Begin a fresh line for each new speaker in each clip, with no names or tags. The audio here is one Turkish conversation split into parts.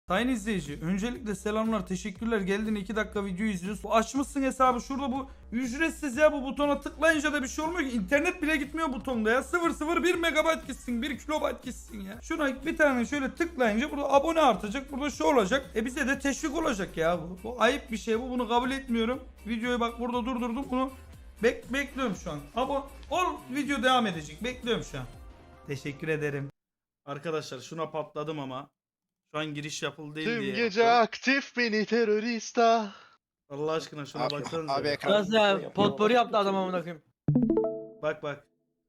Sayın izleyici, öncelikle selamlar, teşekkürler. Geldin 2 dakika video izliyoruz. Bu açmışsın hesabı şurada, bu ücretsiz ya, bu butona tıklayınca da bir şey olmuyor ki. İnternet bile gitmiyor butonda ya. 001 megabayt gitsin, 1 kilobayt gitsin ya. Şuna bir tane şöyle tıklayınca burada abone artacak, burada şu olacak. Bize de teşvik olacak ya bu. Bu ayıp bir şey bu, bunu kabul etmiyorum. Videoyu bak burada durdurdum, bunu bekliyorum şu an. Ol, video devam edecek, bekliyorum şu an. Teşekkür ederim. Arkadaşlar şuna patladım ama. Şu an giriş yapıldı değil
Tüm
diye.
gece aktif beni terörista.
Allah aşkına şuna baksanıza.
Abi
ya.
ekran.
Nasıl ya? Potpourri yaptı adam amına koyayım.
Bak.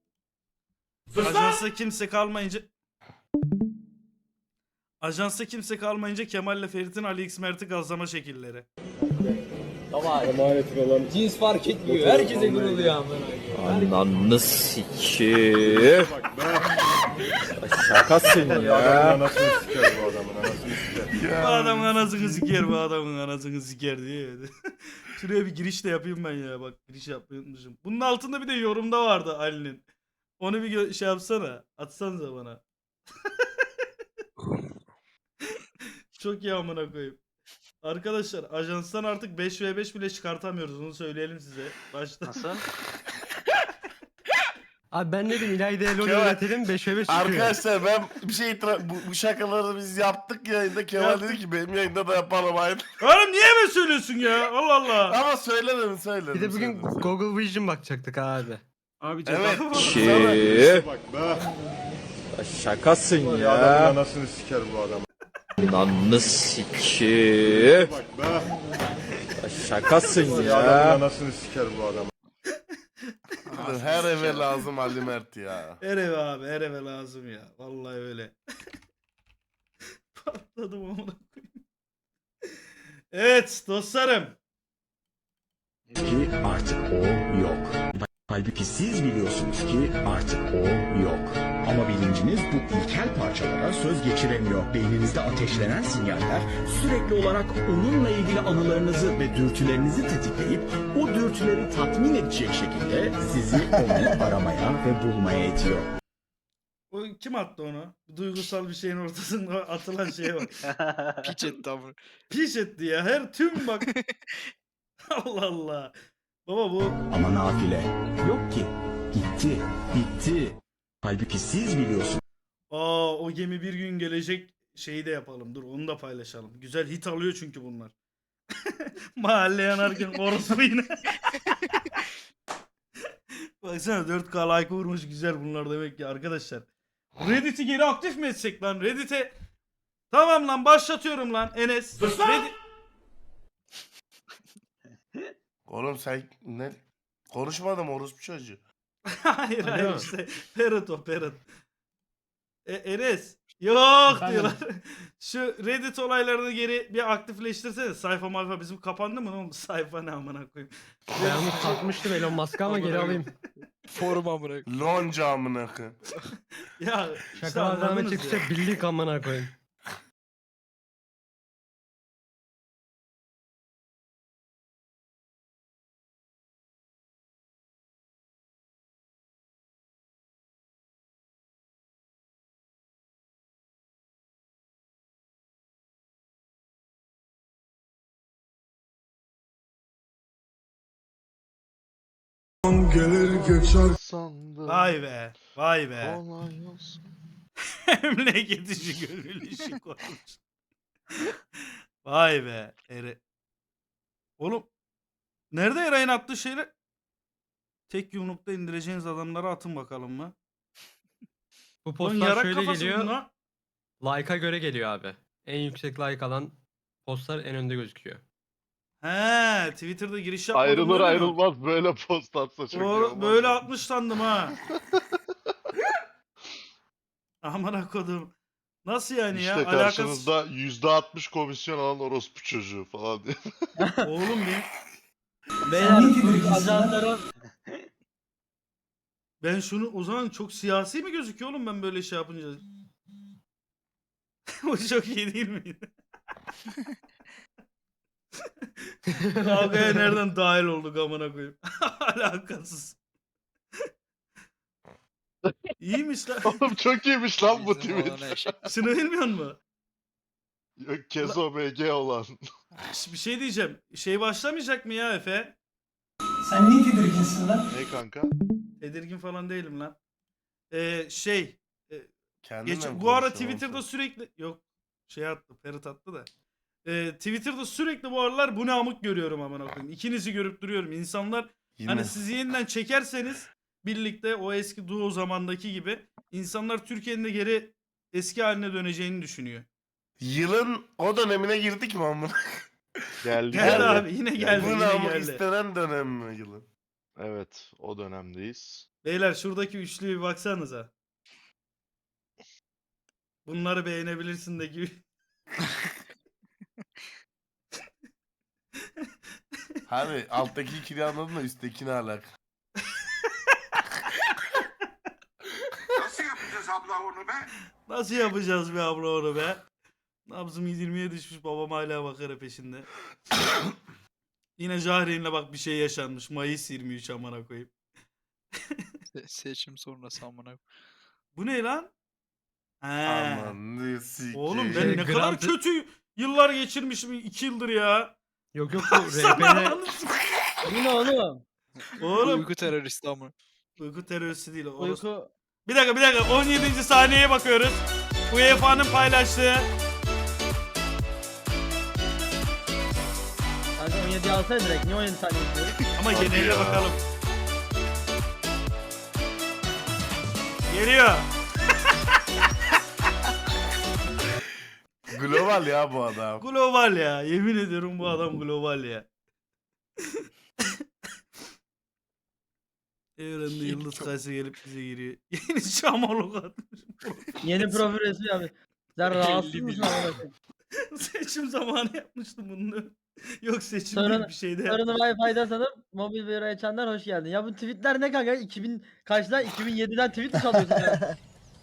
Ajansta kimse kalmayınca Kemal'le Ferit'in Ali X Mert'i gazlama şekilleri.
Baba cins fark etmiyor. Herkese guruluyor amına koyayım.
Ananı sikeyim. Şakasın ya.
Bu adamın anasını siker, bu adamın anasını siker diye. Şuraya bir giriş de yapayım ben ya, bak giriş yapmayı unutmuşum. Bunun altında bir de yorumda vardı Ali'nin. Onu bir şey yapsana, atsanıza bana. Çok iyi amına koyayım. Arkadaşlar ajanstan artık 5v5 bile çıkartamıyoruz, onu söyleyelim size. Başta.
Nasıl?
Abi ben dedim İlayda'ya LoL
Kemal,
öğretelim 5v5 çıkıyor.
Arkadaşlar ben bir şey bu şakaları biz yaptık yayında. Kemal dedi ki benim yayında da yapalım aynı.
Oğlum niye mi söylüyorsun ya? Allah Allah.
Ama söylemedim.
Bir de bugün Google Vision bakacaktık abi.
Abi
Evet.
Ki.
bak be.
Şakasın
Adamın
ya.
anasını siker bu adam.
Ananı sikeyim.
Bak be.
Şakasın
Adamın
ya.
anasını siker bu adam.
Her eve lazım Ali Mert ya.
Her eve abi, her eve lazım ya. Vallahi öyle. Patladım amına koyayım. Evet dostlarım.
Ki artık o yok. Halbuki siz biliyorsunuz ki artık o yok. Ama bilinciniz bu ilkel parçalara söz geçiremiyor. Beyninizde ateşlenen sinyaller sürekli olarak onunla ilgili anılarınızı ve dürtülerinizi tetikleyip o dürtüleri tatmin edecek şekilde sizi onu aramaya ve bulmaya itiyor.
O kim attı onu? Duygusal bir şeyin ortasında atılan şeye bak.
Piç etti ama.
Piş etti ya. Her tüm bak. Allah Allah. Baba bu
Ama nafile yok ki. Gitti, bitti. Halbuki siz biliyorsunuz.
o gemi bir gün gelecek şeyi de yapalım. Dur onu da paylaşalım. Güzel hit alıyor çünkü bunlar. Mahalle yanarken orospu yine. Baksana 4K like vurmuş, güzel bunlar demek ki arkadaşlar. Reddit'i geri aktif mi etsek lan? Reddit'e tamam lan, başlatıyorum lan Enes.
Oğlum sen ne? Konuşmadım orospu çocuğu.
Hayır hayır işte. Parrot o parrot. Enes. Yok diyorlar. Şu Reddit olaylarını geri bir aktifleştirsene. Sayfa malfa bizim kapandı mı? Ne oldu? Sayfa ne amına koyayım.
Ben onu satmıştım Elon Musk'a ama geri alayım.
Forum amına.
Lonca amına koyayım.
Ya işte
Şakalar devam
anladınız
edecekse
ya.
bildik amına koyayım.
Gelir geçer.
Sandım.
Vay be. Vay be.
Olay olsun.
Memleket işi gönül işi koymuş. Vay be. Oğlum. Nerede Eray'ın attığı şeyler? Tek yumrukta indireceğiniz adamları atın bakalım mı?
Bu
Lan
postlar
yarak
şöyle
kafası
geliyor.
buna.
Like'a göre geliyor abi. En yüksek like alan postlar en önde gözüküyor.
He, Twitter'da giriş yapmadım.
Ayrılır
öyle mi?
ayrılmaz böyle post atsa çok iyi olmaz.
Böyle atmış sandım ha. Aman kodum. Nasıl yani
İşte
ya? Alakası...
karşınızda %60 komisyon alan orospu çocuğu falan diye.
Oğlum bir.
Beyler ajanlara
Ben şunu o zaman çok siyasi mi gözüküyor oğlum ben böyle şey yapınca? O çok iyi değil miydi? Kavgaya nereden dahil olduk amına koyayım? Alakasız. İyiymiş lan.
Oğlum çok iyiymiş lan bu tweet.
Şunu bilmiyor musun?
Yok Kezo BG olan.
Bir şey diyeceğim. Şey başlamayacak mı ya Efe?
Sen niye tedirginsin lan?
Ne kanka?
Tedirgin falan değilim lan.
Kendinle mi
Bu ara
konuşuyorsun
Twitter'da
oğlum
sürekli yok şey attı, Ferit attı da. Twitter'da sürekli bu aralar bu ne amık görüyorum amına koyayım. İkinizi görüp duruyorum. İnsanlar
sen?
hani
Yine.
sizi yeniden çekerseniz birlikte o eski duo zamandaki gibi insanlar Türkiye'nin de geri eski haline döneceğini düşünüyor.
Yılın o dönemine girdik mi amına?
Geldi
Geldi
geldi.
abi yine geldi
Bu
yine
namı
geldi.
istenen dönem mi yılın?
Evet o dönemdeyiz.
Beyler şuradaki üçlüye bir baksanıza. Bunları beğenebilirsin de gibi.
Abi alttaki ikili anladın da üsttekini alak.
Nasıl yapacağız abla onu be?
Nasıl yapacağız be abla onu be? Nabzım 20'ye düşmüş, babam hala bakara peşinde. Yine Jahreyn'le bak bir şey yaşanmış. Mayıs 23 amına koyayım.
Seçim sonrası amına.
Bu ne lan? He.
Aman ne sikeyim.
Oğlum ben ne kadar kötü yıllar geçirmişim 2 yıldır ya.
Yok yok
Sana
Bu ne oğlum?
Oğlum
Uyku teröristi amına.
uyku teröristi değil.
Uyku.
Bir dakika 17. saniyeye bakıyoruz. UEFA'nın paylaştığı.
Kanka 17'yi alsana direkt. Niye 17 saniye istiyoruz?
Ama
Hadi
geneline
ya.
bakalım. Geliyor.
Global ya bu adam.
Global ya. Yemin ediyorum bu adam global ya. Evrende yıldız kayısı gelip bize giriyor. Yeni şamalok atmış.
Yeni profil resmi abi. Sen rahatsız
50
mısın
milyon.
amına koyayım?
Seçim zamanı yapmıştım bunu. Yok seçim
Sonra-
değil bir şeyde
Sorunu
yapmıştım.
Wi-Fi'den sanıp mobil bir açanlar hoş geldin. Ya bu tweetler ne kanka? 2000 kaçtan 2007'den tweet mi salıyorsun ya?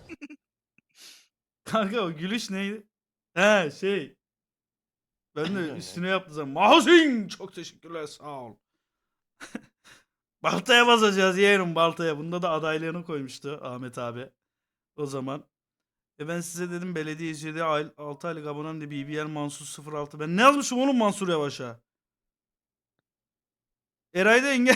Kanka o gülüş neydi? He şey. Ben de üstüne yaptım zaman. Mahzin! Çok teşekkürler sağ ol. Baltaya basacağız yeğenim baltaya. Bunda da adaylığını koymuştu Ahmet abi. O zaman. Ben size dedim belediye izlediği 6 aylık abonem de BBL Mansur 06. Ben ne yazmışım oğlum Mansur Yavaş'a? Eray'da engel.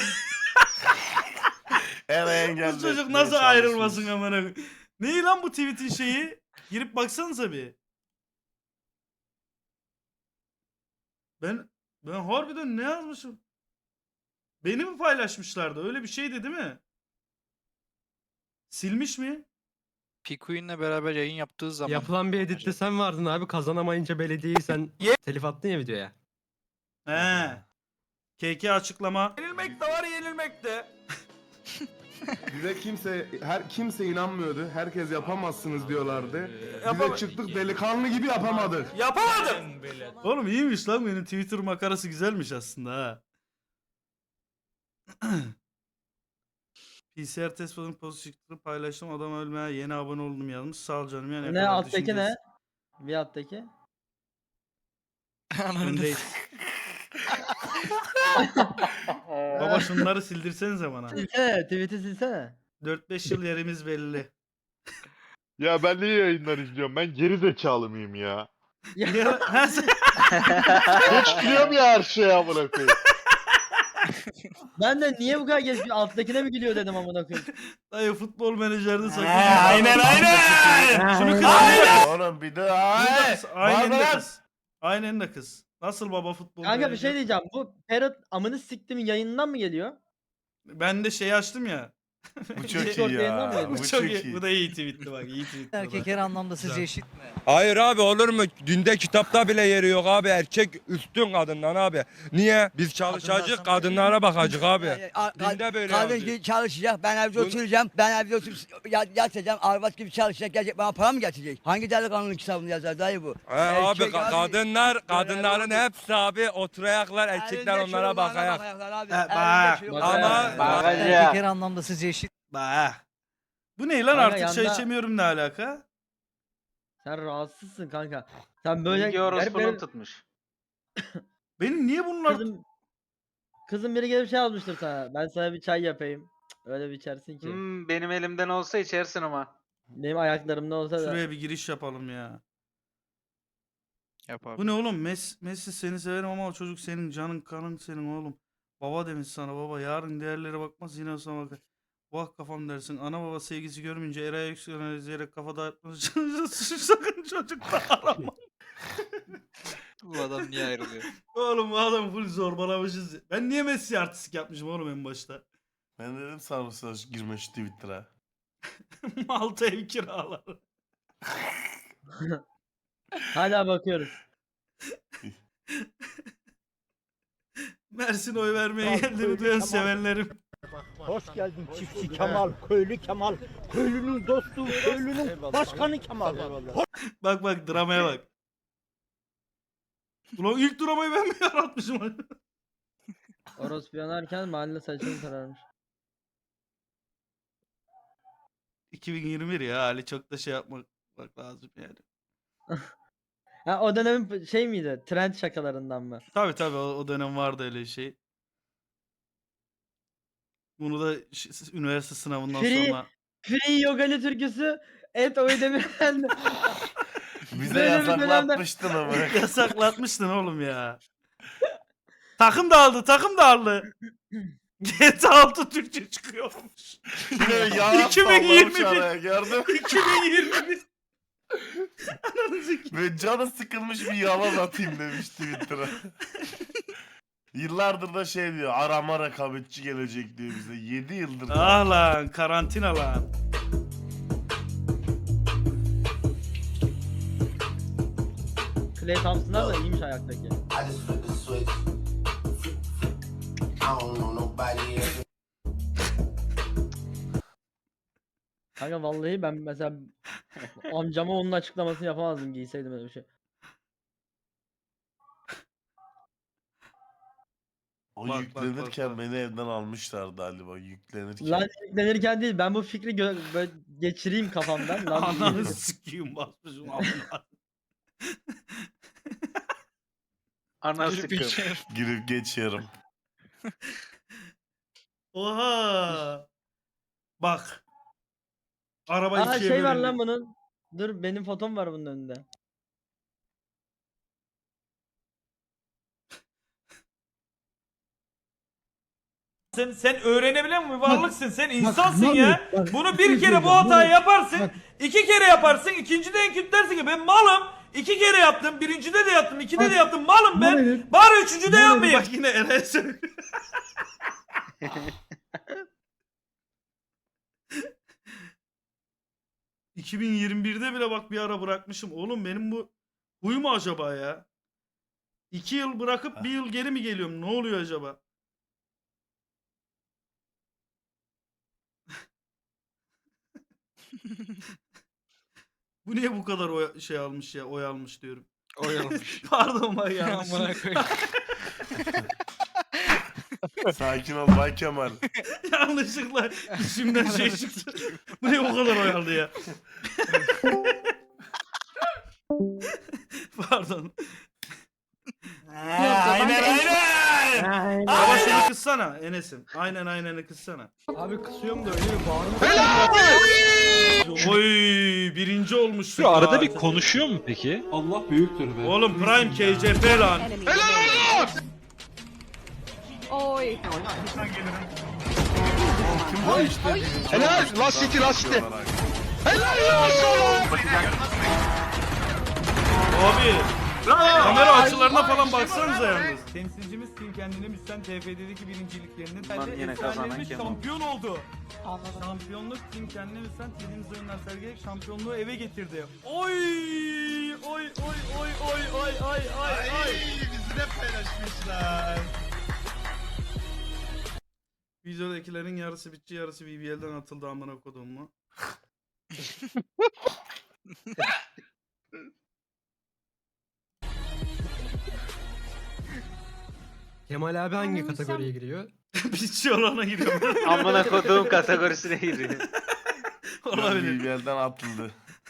Bu çocuk nasıl ayrılmasın amına koyayım? Ne lan bu tweet'in şeyi? Girip baksanıza bir. Ben harbiden ne yazmışım? Beni mi paylaşmışlardı? Öyle bir şeydi değil mi? Silmiş mi?
Pikuin'le beraber yayın yaptığı zaman.
Yapılan bir editte sen vardın abi. Kazanamayınca belediyeyi sen telif attın ya videoya.
He. KK açıklama. Yenilmek de var yenilmek de.
Bize kimse inanmıyordu. Herkes yapamazsınız diyorlardı.
Yapama-
çıktık delikanlı gibi yapamadık.
Yapamadım. Oğlum iyiymiş lan benim Twitter makarası güzelmiş aslında ha. PCR test pozitifini paylaştım adam ölmeye yeni abone oldum yazmış. Sağ ol canım yani.
Ne alttaki ne? Bir alttaki.
Öndeyiz. Baba şunları sildirsenize bana.
Silsene, tweet'i silsene.
4-5 yıl yerimiz belli.
Ya ben niye yayınlar izliyorum? Ben geri zekalı mıyım ya?
Ya, ha, sen-
Geç biliyorum ya her şeye amına koyayım.
Ben de niye bu kadar geç alttakine mi gülüyor dedim amına koyayım.
Dayı futbol menajerde sakın.
aynen.
Şunu kız.
Oğlum bir de
Burada kız, Aynen de
Barbaros!
kız. Aynen de kız. Nasıl baba futbol
Kanka bir
menajer?
şey diyeceğim. Bu Parrot amını siktimin yayınından mı geliyor?
Ben de şey açtım ya.
Bu çok
Discord
iyi
yayından
ya.
mıydı?
Bu
Bu
çok
çok iyi.
iyi.
Bu da iyi tweetti bak. İyi tweetti.
Erkek her anlamda sizce
Güzel.
eşit mi?
Hayır abi olur mu? Dinde kitapta bile yeri yok abi. Erkek üstün kadından abi. Niye? Biz çalışacak kadınlara bakacak abi. Dinde böyle
Kadın
yazıyor.
gibi çalışacak, ben evde oturacağım, ben evde oturup yatacağım, arvat gibi çalışacak, gelecek bana para mı getirecek? Hangi delikanlının kitabını yazar dayı bu?
He abi
Erkek abi,
kadınların
böyle
hepsi abi oturayaklar erkekler
Elinde
onlara
şöyle
bakayak.
bakayaklar abi,
bak.
elinde şöyle
Ama-
bakayaklar. Erkek her anlamda sizce eşit
Bah. Bu ne lan
Kanka
artık çay
yanda-
içemiyorum ne alaka?
Sen rahatsızsın kanka. Sen böyle
tutmuş.
Benim niye bunlar...
kızım biri gelip şey yazmıştır sana. Ben sana bir çay yapayım. Cık, öyle bir içersin ki.
Benim elimden olsa içersin ama.
Benim ayaklarımda olsa da.
Şuraya bir giriş yapalım ya.
Yap abi.
Bu ne oğlum? Messi seni severim ama o çocuk senin canın kanın senin oğlum. Baba demiş sana baba. Yarın değerlere bakmaz yine sana bakar. Vah kafam dersin. Ana baba sevgisi görmeyince Eray'a yükselerek kafa dağıtmış. Sakın çocukla arama.
Bu adam niye ayrılıyor?
Oğlum bu adam full zorbalamışız. Ben niye Messi artistik yapmışım oğlum en başta?
Ben dedim sarımsağı girme şu Twitter'a.
Malta ev kiraları.
Hala bakıyoruz.
Mersin oy vermeye geldiğini duyan sevenlerim.
Hoş geldin çiftçi Kemal, köylü Kemal, köylünün dostu, köylünün başkanı Kemal.
Bak bak dramaya bak. Ulan ilk dramayı ben mi yaratmışım?
Orospu yanarken mahalle saçını sararmış.
2021 ya Ali çok da şey yapmak lazım yani.
Ha o dönemin şey miydi? Trend şakalarından mı?
Tabi tabi o dönem vardı öyle şey. Bunu da üniversite sınavından
Free-
sonra
Free Yogali türküsü et oy demiren
Bize
Böyle bir
yasaklatmıştın ama.
yasaklatmıştın oğlum ya. Takım dağıldı takım dağıldı. GTA 6 Türkçe çıkıyormuş.
Yine yalan
2021.
sallamış araya gördün mü?
2021. Ananı sikeyim.
Ve canı sıkılmış bir yalan atayım demiş Twitter'a. Yıllardır da şey diyor, arama rekabetçi gelecek diyor bize. 7 yıldır.
Ah lan karantina lan.
Clay Thompson'lar da iyiymiş ayaktaki. Kanka vallahi ben mesela amcama onun açıklamasını yapamazdım giyseydim öyle bir şey.
O
Bak,
yüklenirken
bak.
beni evden almışlardı galiba yüklenirken.
Lan yüklenirken değil ben bu fikri böyle geçireyim kafamdan. Lan
Ananı sikeyim basmışım amına.
Ana
Girip
sıkım.
içeri.
Girip geçiyorum.
Oha. Bak. Araba
Aa
ikiye
şey var
bölündü.
lan bunun. Dur benim fotom var bunun önünde.
Sen öğrenebilen mi varlıksın? Sen insansın ya. Bunu bir kere bu hatayı yaparsın. 2 kere yaparsın. İkincide en kötü dersin ki ben malım. 2 kere yaptım. Birincide de yaptım. 2'de de yaptım. Malım ben. Bari 3'üncüde yapmayayım. Bak yine Eren söylüyor. ...2021'de bile bak bir ara bırakmışım. Oğlum benim bu... ...huyu mu acaba ya? 2 yıl bırakıp 1 yıl geri mi geliyorum? Ne oluyor acaba? Bu niye bu kadar şey almış ya? Oy almış diyorum.
Oyalamış.
Pardon bak yanlış.
Amına koyayım.
Sakin ol Bay Kemal.
Yanlışlıkla içimden şey çıktı. Bu niye bu kadar oy aldı ya? Pardon.
Aynen.
Ama şunu kıssana Enes'im. Aynen kıssana.
Abi kısıyorum da öyle bir bağırma.
Oy birinci olmuşsun.
Şu arada
ya.
bir konuşuyor mu peki? Allah büyüktür be.
Oğlum Prime KCP lan.
Oy.
Kim bu işte?
Helal! Last City, Last City.
Abi. Kamera açılarına falan baksanıza yalnız. Temsilcimiz Team kendine müsten TFD'deki birinciliklerini
Lan yine kazanan kim oldu?
şampiyon oldu. Şampiyonluk Team kendine müsten dediğimiz oyunlar sergileyerek şampiyonluğu eve getirdi. Oy! Oy!
Bizi de paylaşmışlar.
Videodakilerin yarısı bitçi yarısı BBL'den atıldı amına kodum mu?
Kemal abi hangi kategoriye giriyor?
Bitçi olana giriyor.
Amına koduğum kategorisine giriyor.
Olabilir.
BBL'den atıldı.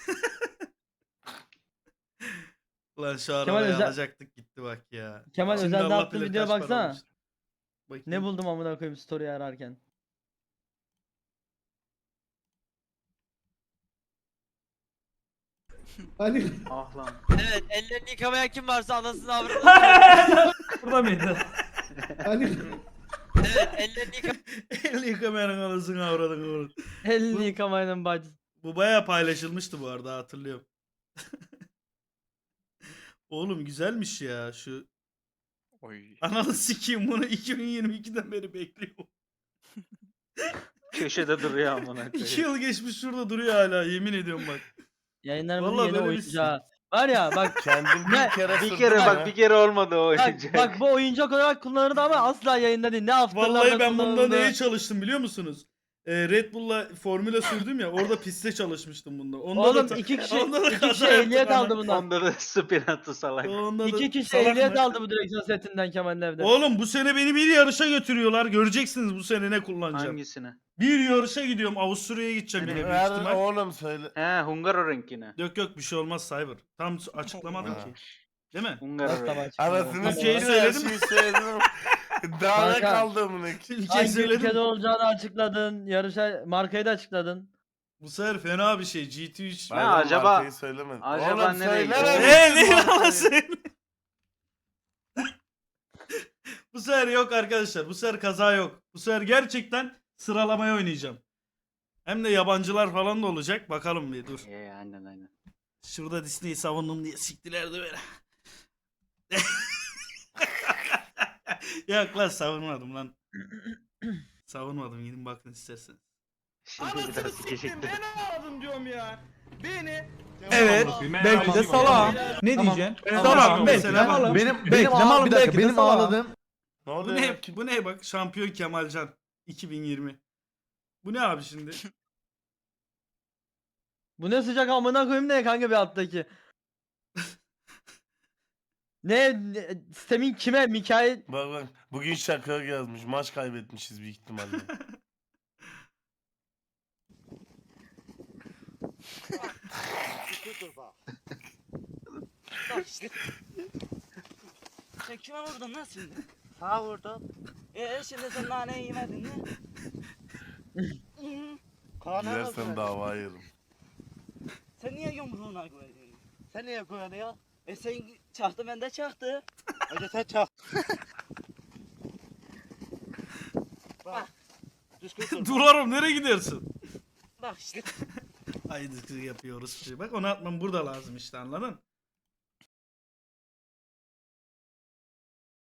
Ulan şu
Kemal
arabayı
özel-
alacaktık gitti bak ya.
Kemal
Şimdi
özelde
Allah
attığım
bilir
videoya
kaç para
baksana.
olmuş. Bakayım.
Ne buldum amına koyayım story ararken.
Ah lan.
Evet ellerini yıkamayan kim varsa anasını avradını.
Burada mıydı?
Evet ellerini yıkamayan.
El yıkamayanın anasını avradın.
Elini yıkamayın bacı.
Bu bayağı paylaşılmıştı bu arada, hatırlıyorum. Oğlum güzelmiş ya şu.
Oy.
Ananı sikeyim, bunu 2022'den beri bekliyorum.
Köşede duruyor amına
2
koyayım.
yıl geçmiş şurada duruyor hala, yemin ediyorum bak.
Yayınlarımızın
Vallahi
yeni
böyle bir
oyuncu ha. Var ya bak
Kendim
Ne?
bir kere
Bir kere bak bir kere olmadı o oyuncak.
bak bu oyuncak olarak kullanıldı ama asla yayında değil. Ne afterlarda
Vallahi ben bunda
kullanıldı.
neye çalıştım biliyor musunuz? Red Bull'la Formula sürdüm ya, orada piste çalışmıştım bunda. Onda
Oğlum
da,
iki kişi,
onda da
iki
kaza
kişi
yaptık
ehliyet
ama.
aldı bundan.
Onda da spin attı salak.
Onda da
İki kişi
salak
ehliyet
mı?
aldı bu direksiyon setinden Kemal'in evde.
Oğlum bu sene beni bir yarışa götürüyorlar. Göreceksiniz bu sene ne kullanacağım.
Hangisine?
Bir yarışa gidiyorum. Avusturya'ya gideceğim yine büyük
Ver
ihtimal.
oğlum söyle.
He Hungaroring'ine.
Yok bir şey olmaz Cyber. Tam açıklamadım
Ha.
ki. Değil mi?
Hungaroring.
Anasını
Ülkeyi
sikeyim, her
söyledim.
şeyi söyledim. Daha ne
Kanka.
kaldı amına?
Ülkeyi
Hangi
söyledim.
ülkede olacağını açıkladın. Yarışa markayı da açıkladın.
Bu sefer fena bir şey. GT3.
Ha, acaba-
markayı söylemedim.
acaba
Oğlum
nereye gidiyor?
söylemedim.
Ne yalan söyle. Bu sefer yok arkadaşlar. Bu sefer kaza yok. Bu sefer gerçekten sıralamaya oynayacağım. Hem de yabancılar falan da olacak. Bakalım bir dur.
Aynen.
Şurada Disney'i savundum diye siktilerdi böyle. Yok lan savunmadım lan. Savunmadım, gidin bakın isterseniz.
Şimdi bir daha sikecektim.
ağladım diyorum ya. Beni.
Evet. Belki de salam.
Ne diyeceksin?
Salam belki de malım. Benim ağladığım.
Ne
Bu
oluyor?
ne?
lan? Kim-
Bu ne bak? Şampiyon Kemalcan 2020. Bu ne abi şimdi?
Bu ne sıcak amına koyayım ne kanka bir alttaki. Sistemin kime? Mikail.
Bak bugün şaka yazmış. Maç kaybetmişiz büyük ihtimalle.
Sen kime vurdun lan şimdi? Ha vurdum. Şimdi sen naneyi yemedin mi?
Gidersen dava yerim.
Sen niye yumruğuna koyuyorsun? Sen niye koyuyorsun ya? Sen çaktı ben de çaktı. Önce sen çak. Bak. Düzgün dur.
Durarım, nereye gidersin?
Bak işte.
Haydi yapıyoruz. Bak onu atmam burada lazım işte, anladın?